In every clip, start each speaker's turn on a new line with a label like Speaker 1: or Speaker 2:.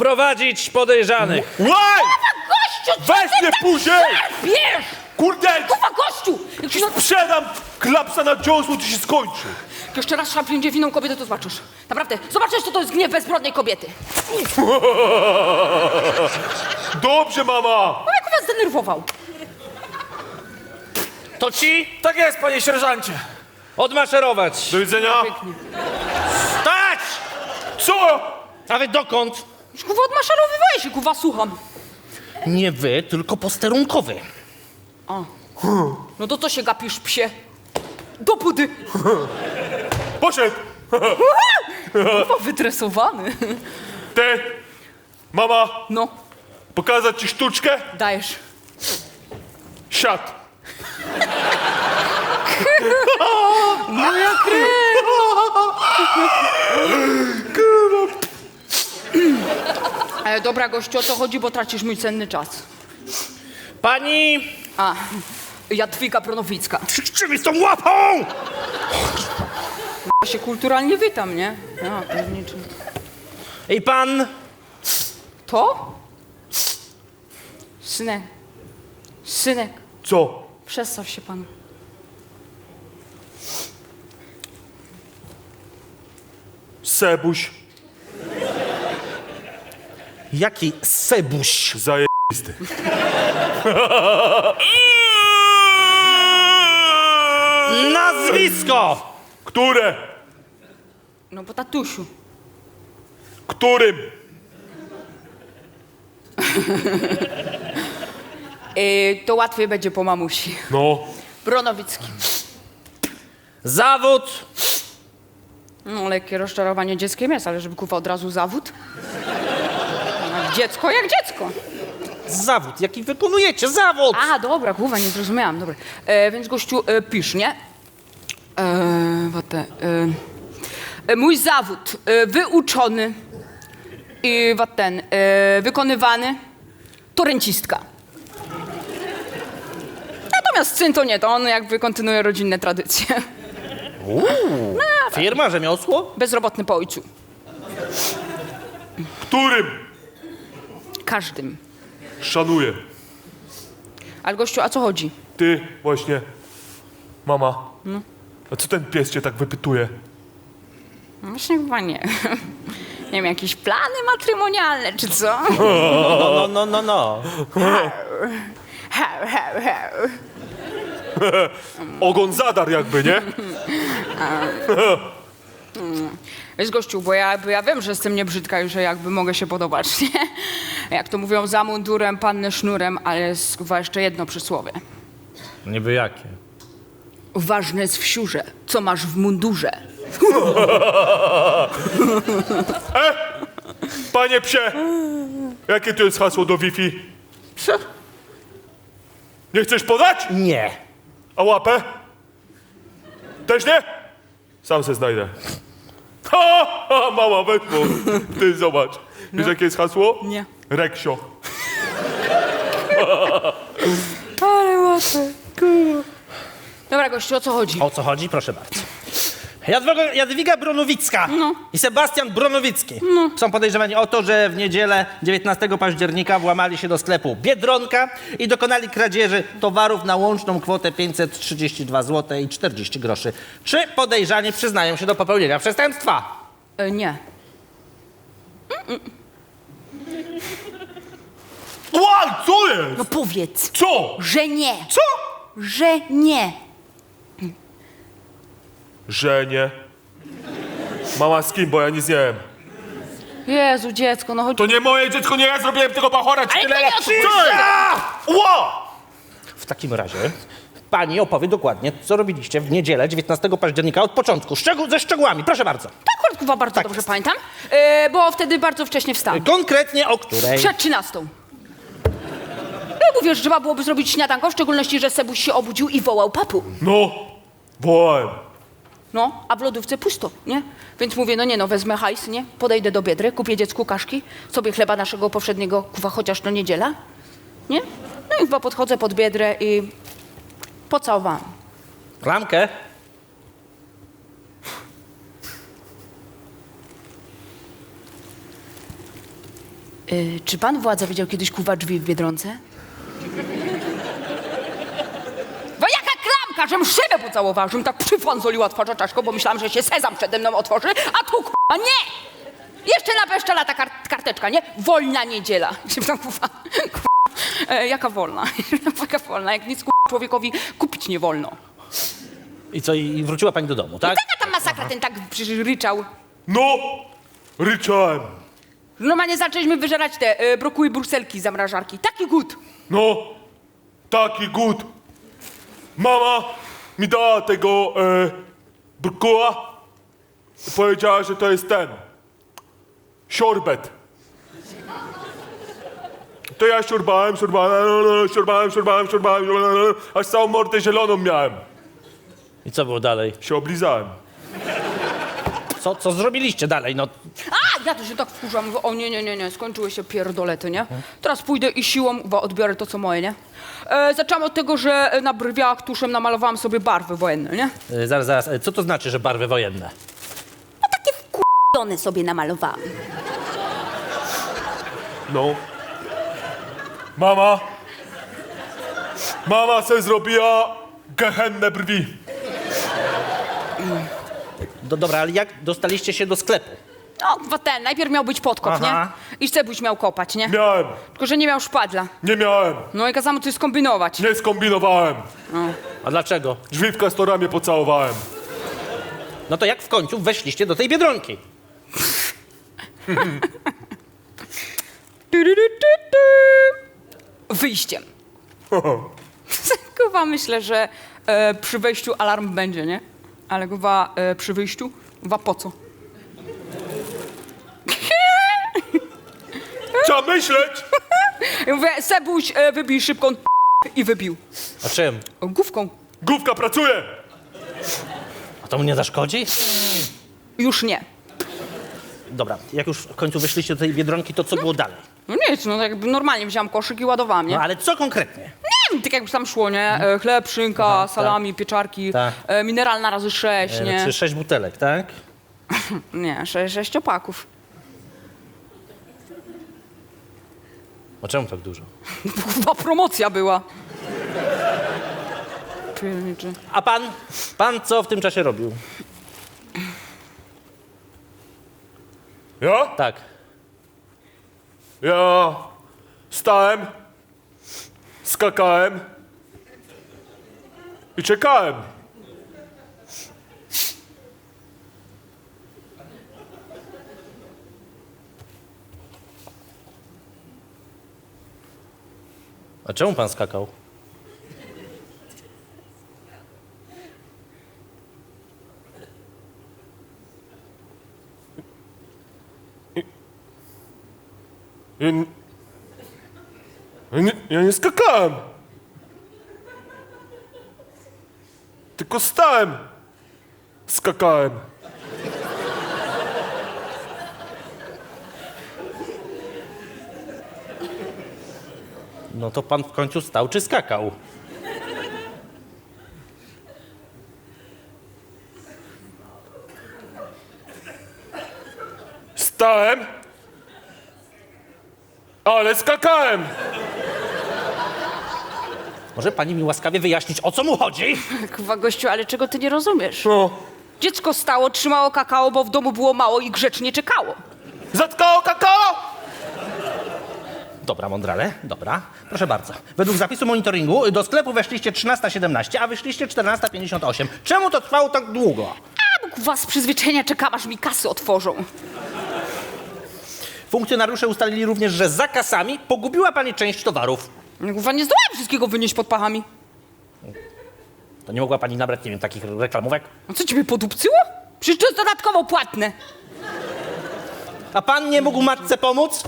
Speaker 1: Wprowadzić podejrzanych.
Speaker 2: Łaj!
Speaker 3: Gościu, co
Speaker 2: Weź mnie później!
Speaker 3: wiesz?
Speaker 2: Kurde!
Speaker 3: Kurwa, gościu! Jak się
Speaker 2: Sprzedam klapsa na dziosło, to się skończy.
Speaker 3: jeszcze raz szarpnięcie w inną kobietę, to zobaczysz. Naprawdę, zobaczysz, co to jest gniew bezbrodnej kobiety.
Speaker 2: Dobrze, mama!
Speaker 3: No jak was zdenerwował?
Speaker 1: To ci
Speaker 4: Tak jest, panie sierżancie.
Speaker 1: odmaszerować.
Speaker 2: Do widzenia.
Speaker 1: Stać!
Speaker 2: Co?
Speaker 1: A wy dokąd?
Speaker 3: Już kurwa odmaszerowywaj się, kurwa, słucham.
Speaker 1: Nie wy, tylko posterunkowy.
Speaker 3: No to co się gapisz, psie? Do budy.
Speaker 2: Poszedł.
Speaker 3: Kurwa, wytresowany.
Speaker 2: Ty, mama,
Speaker 3: No,
Speaker 2: pokazać ci sztuczkę?
Speaker 3: dajesz.
Speaker 2: Siad.
Speaker 3: Moja krew. Dobra, gościu, o co chodzi, bo tracisz mój cenny czas.
Speaker 1: Pani...
Speaker 3: A, Jadwiga Bronowicka.
Speaker 1: Krzyczy z tą łapą!
Speaker 3: Ja się kulturalnie witam, nie? Ja, pewniczy.
Speaker 1: I pan...
Speaker 3: To? Synek. Synek,
Speaker 2: Co?
Speaker 3: przestaw się pan.
Speaker 2: Sebuś.
Speaker 1: Jaki sebuś.
Speaker 2: Zajebisty.
Speaker 1: Nazwisko!
Speaker 2: Które?
Speaker 3: No bo tatusiu.
Speaker 2: Którym?
Speaker 3: To łatwiej będzie po mamusi.
Speaker 2: No.
Speaker 3: Bronowicki.
Speaker 1: Zawód.
Speaker 3: No, lekkie rozczarowanie dzieckiem jest, ale żeby kurwa od razu zawód? Jak dziecko, jak dziecko.
Speaker 1: Zawód, jaki wykonujecie, zawód!
Speaker 3: A, dobra, kurwa, nie zrozumiałam, dobra. Więc gościu, pisz, nie? Mój zawód, wyuczony i wykonywany, to rencistka. Natomiast syn to nie, to on jakby kontynuuje rodzinne tradycje.
Speaker 1: Firma, rzemiosło?
Speaker 3: Bezrobotny po ojcu.
Speaker 2: Którym?
Speaker 3: Każdym.
Speaker 2: Szanuję.
Speaker 3: Ale gościu, a co chodzi?
Speaker 2: Ty właśnie. Mama. A co ten pies cię tak wypytuje?
Speaker 3: No właśnie chyba nie. Nie wiem, jakieś plany matrymonialne, czy co?
Speaker 1: No.
Speaker 3: Hał, hał, hał.
Speaker 2: Ogon zadar jakby, nie?
Speaker 3: Wiesz, gościu, bo ja wiem, że jestem niebrzydka i że jakby mogę się podobać, nie? Jak to mówią, za mundurem, panny sznurem, ale jest chyba jeszcze jedno przysłowie.
Speaker 1: Niby jakie?
Speaker 3: Ważne jest w siurze, co masz w mundurze.
Speaker 2: Panie psie! Jakie tu jest hasło do Wi-Fi?
Speaker 1: Co?
Speaker 2: Nie chcesz podać?
Speaker 1: Nie.
Speaker 2: A łapę? Też nie? Sam se znajdę. Ha, ha, mała, weszło. Ty zobacz. Wiesz jakie jest hasło?
Speaker 3: Nie.
Speaker 2: Reksio.
Speaker 3: Ale łatwe. Dobra, gościu, o co chodzi?
Speaker 1: O co chodzi? Proszę bardzo. Jadwiga Bronowicka i Sebastian Bronowicki są podejrzewani o to, że w niedzielę 19 października włamali się do sklepu Biedronka i dokonali kradzieży towarów na łączną kwotę 532 zł i 40 groszy. Czy podejrzani przyznają się do popełnienia przestępstwa?
Speaker 3: Nie.
Speaker 2: Łaj, co jest?
Speaker 3: No powiedz,
Speaker 2: Co?
Speaker 3: że nie.
Speaker 2: Co?
Speaker 3: Że nie.
Speaker 2: Że nie. Mama z kim, bo ja nic nie wiem.
Speaker 3: Jezu, dziecko, no chodź.
Speaker 2: To nie moje dziecko, nie ja zrobiłem tego bachora, czy
Speaker 3: Ale
Speaker 2: tyle
Speaker 3: to nie
Speaker 2: lat.
Speaker 3: o to chodzi.
Speaker 2: Ła!
Speaker 1: W takim razie pani opowie dokładnie, co robiliście w niedzielę 19 października od początku, ze szczegółami. Proszę bardzo.
Speaker 3: Tak, akurat chyba bardzo
Speaker 1: Tak
Speaker 3: dobrze
Speaker 1: jest.
Speaker 3: pamiętam, bo wtedy bardzo wcześnie wstałam.
Speaker 1: Konkretnie o której?
Speaker 3: Przed 13. Ja mówię, że trzeba byłoby zrobić śniadanko, w szczególności, że Sebuś się obudził i wołał papu.
Speaker 2: No, wołałem.
Speaker 3: No, a w lodówce pusto, nie? Więc mówię, no nie no, wezmę hajs, nie? Podejdę do Biedry, kupię dziecku kaszki, sobie chleba naszego powszedniego, kuwa, chociaż to niedziela, nie? No i chyba podchodzę pod Biedrę i pocałowałam.
Speaker 1: Klamkę?
Speaker 3: Czy pan władza widział kiedyś kuwa drzwi w Biedronce? Bo jaka klamka, żem szybę pocałowała, żem tak przyfanzoliła twarza czaszką, bo myślałam, że się sezam przede mną otworzy, a tu k***a nie! Jeszcze napeszczela ta karteczka, nie? Wolna niedziela. Się tam kuwa, jaka wolna? Jaka wolna? Jak nic człowiekowi kupić nie wolno.
Speaker 1: I co, i wróciła pani do domu, tak?
Speaker 3: Taka tam masakra, ten tak przecież ryczał.
Speaker 2: No, ryczałem.
Speaker 3: Normalnie zaczęliśmy wyżerać te brokuły brukselki z zamrażarki. Taki głód.
Speaker 2: No, taki głód. Mama mi dała tego brukuła i powiedziała, że to jest ten. Siorbet. To ja siorbałem, aż całą mordę zieloną miałem.
Speaker 1: I co było dalej?
Speaker 2: Się oblizałem.
Speaker 1: Co zrobiliście dalej, no?
Speaker 3: A, ja to się tak wkurzam. Mówię, o nie, skończyły się pierdolety, nie? Teraz pójdę i siłą odbiorę to, co moje, nie? Zaczęłam od tego, że na brwiach tuszem namalowałam sobie barwy wojenne, nie?
Speaker 1: Zaraz, co to znaczy, że barwy wojenne?
Speaker 3: No takie wkurzone sobie namalowałam.
Speaker 2: No. Mama se zrobiła gehennę brwi.
Speaker 1: Dobra, ale jak dostaliście się do sklepu?
Speaker 3: No, chyba ten, najpierw miał być podkop,
Speaker 1: Aha.
Speaker 3: nie? I Cebuś miał kopać, nie?
Speaker 2: Miałem,
Speaker 3: Tylko, że nie miał szpadla.
Speaker 2: nie miałem,
Speaker 3: No i kazałam mu coś skombinować.
Speaker 2: nie skombinowałem.
Speaker 1: A dlaczego?
Speaker 2: Drzwi w Castoramie pocałowałem.
Speaker 1: No to jak w końcu weszliście do tej Biedronki?
Speaker 3: Wyjściem. Chyba myślę, że przy wejściu alarm będzie, nie? Ale chyba przy wyjściu, chyba po co?
Speaker 2: Trzeba myśleć!
Speaker 3: Ja mówię, Sebuś, wybij szybko i wybił.
Speaker 1: A czym?
Speaker 3: Główką.
Speaker 2: Główka pracuje!
Speaker 1: A to mu nie zaszkodzi?
Speaker 3: Już nie.
Speaker 1: Dobra, jak już w końcu wyszliście do tej Biedronki, to co było dalej?
Speaker 3: No nic, no jakby normalnie wziąłam koszyk i ładowałam, nie?
Speaker 1: No ale co konkretnie?
Speaker 3: Nie wiem, tak jak już tam szło, nie? Chleb, szynka,
Speaker 1: Aha,
Speaker 3: salami, pieczarki,
Speaker 1: Tak.
Speaker 3: mineralna razy 6, nie?
Speaker 1: Czy 6 butelek, tak?
Speaker 3: Nie, 6 opaków.
Speaker 1: A czemu tak dużo?
Speaker 3: Chyba promocja była. Pierniczy.
Speaker 1: A pan co w tym czasie robił?
Speaker 2: Ja?
Speaker 1: Tak.
Speaker 2: Ja stałem, skakałem i czekałem.
Speaker 1: A czemu pan skakał?
Speaker 2: Ja nie skakałem. Tylko stałem. Skakałem.
Speaker 1: No to pan w końcu stał czy skakał?
Speaker 2: Stałem, ale skakałem.
Speaker 1: Może pani mi łaskawie wyjaśnić, o co mu chodzi?
Speaker 3: Chyba gościu, ale czego ty nie rozumiesz?
Speaker 2: No.
Speaker 3: Dziecko stało, trzymało kakao, bo w domu było mało i grzecznie czekało.
Speaker 2: Zatkało kakao?
Speaker 1: Dobra, mądrale, dobra. Proszę bardzo. Według zapisu monitoringu do sklepu weszliście 13:17, a wyszliście 14:58. Czemu to trwało tak długo?
Speaker 3: A, bo was z przyzwyczajenia czekam, aż mi kasy otworzą.
Speaker 1: Funkcjonariusze ustalili również, że za kasami pogubiła pani część towarów.
Speaker 3: Kurwa, nie zdołałem wszystkiego wynieść pod pachami.
Speaker 1: To nie mogła pani nabrać, nie wiem, takich reklamówek?
Speaker 3: A co, ciebie podupcyło? Przecież to jest dodatkowo płatne.
Speaker 1: A pan nie mógł matce pomóc?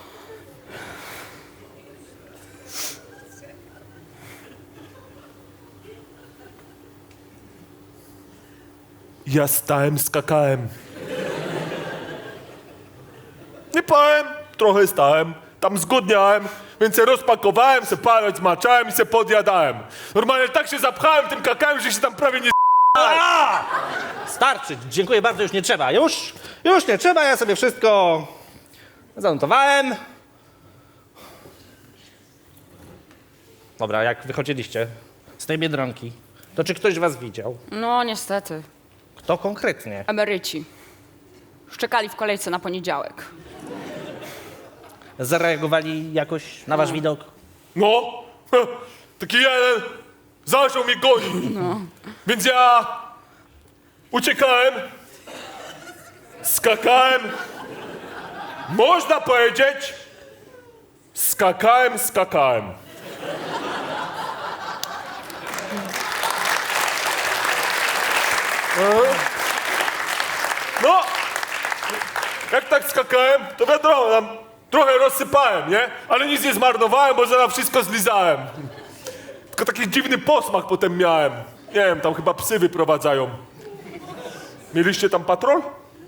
Speaker 2: Ja stałem, skakałem. Nie powiem, trochę stałem, tam zgłodniałem, więc se rozpakowałem, se palec zmaczałem i se podjadałem. Normalnie tak się zapchałem tym kakałem, że się tam prawie nie
Speaker 1: Starczy, dziękuję bardzo, już nie trzeba. Już nie trzeba, ja sobie wszystko zanotowałem. Dobra, jak wychodziliście z tej Biedronki, to czy ktoś was widział?
Speaker 3: No niestety,
Speaker 1: Kto konkretnie?
Speaker 3: emeryci. Szczekali w kolejce na poniedziałek.
Speaker 1: Zareagowali jakoś na wasz widok?
Speaker 2: No, taki jeden zaczął mnie gonić. Więc ja uciekałem, skakałem, można powiedzieć, skakałem. No, jak tak skakałem, to wiadomo, tam trochę rozsypałem, nie? Ale nic nie zmarnowałem, bo zaraz wszystko zlizałem. Tylko taki dziwny posmak potem miałem. Nie wiem, tam chyba psy wyprowadzają. Mieliście tam patrol?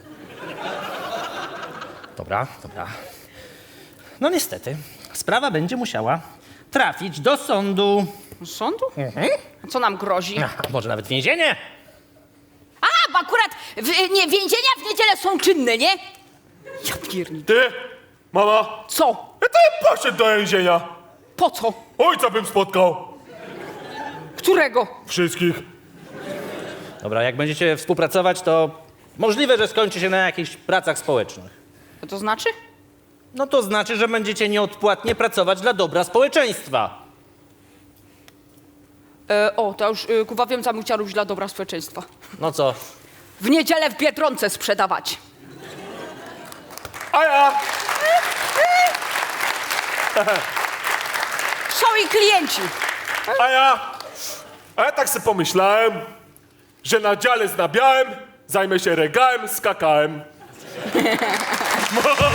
Speaker 1: Dobra. No niestety, sprawa będzie musiała trafić do sądu.
Speaker 3: Z sądu? A co nam grozi?
Speaker 1: A może nawet więzienie?
Speaker 3: A, bo akurat więzienia w niedzielę są czynne, nie? Ja pierdolę.
Speaker 2: Ty, mama,
Speaker 3: Co?
Speaker 2: ja to bym poszedł do więzienia.
Speaker 3: Po co?
Speaker 2: Ojca bym spotkał.
Speaker 3: Którego?
Speaker 2: Wszystkich.
Speaker 1: Dobra, jak będziecie współpracować, to możliwe, że skończy się na jakichś pracach społecznych.
Speaker 3: Co to znaczy?
Speaker 1: No to znaczy, że będziecie nieodpłatnie pracować dla dobra społeczeństwa.
Speaker 3: To już kuwa wiem, co bym chciał robić dla dobra społeczeństwa.
Speaker 1: No co?
Speaker 3: W niedzielę w Biedronce sprzedawać.
Speaker 2: A ja
Speaker 3: Są i klienci.
Speaker 2: A ja tak sobie pomyślałem, że na dziale z nabiałem, zajmę się regałem, skakałem.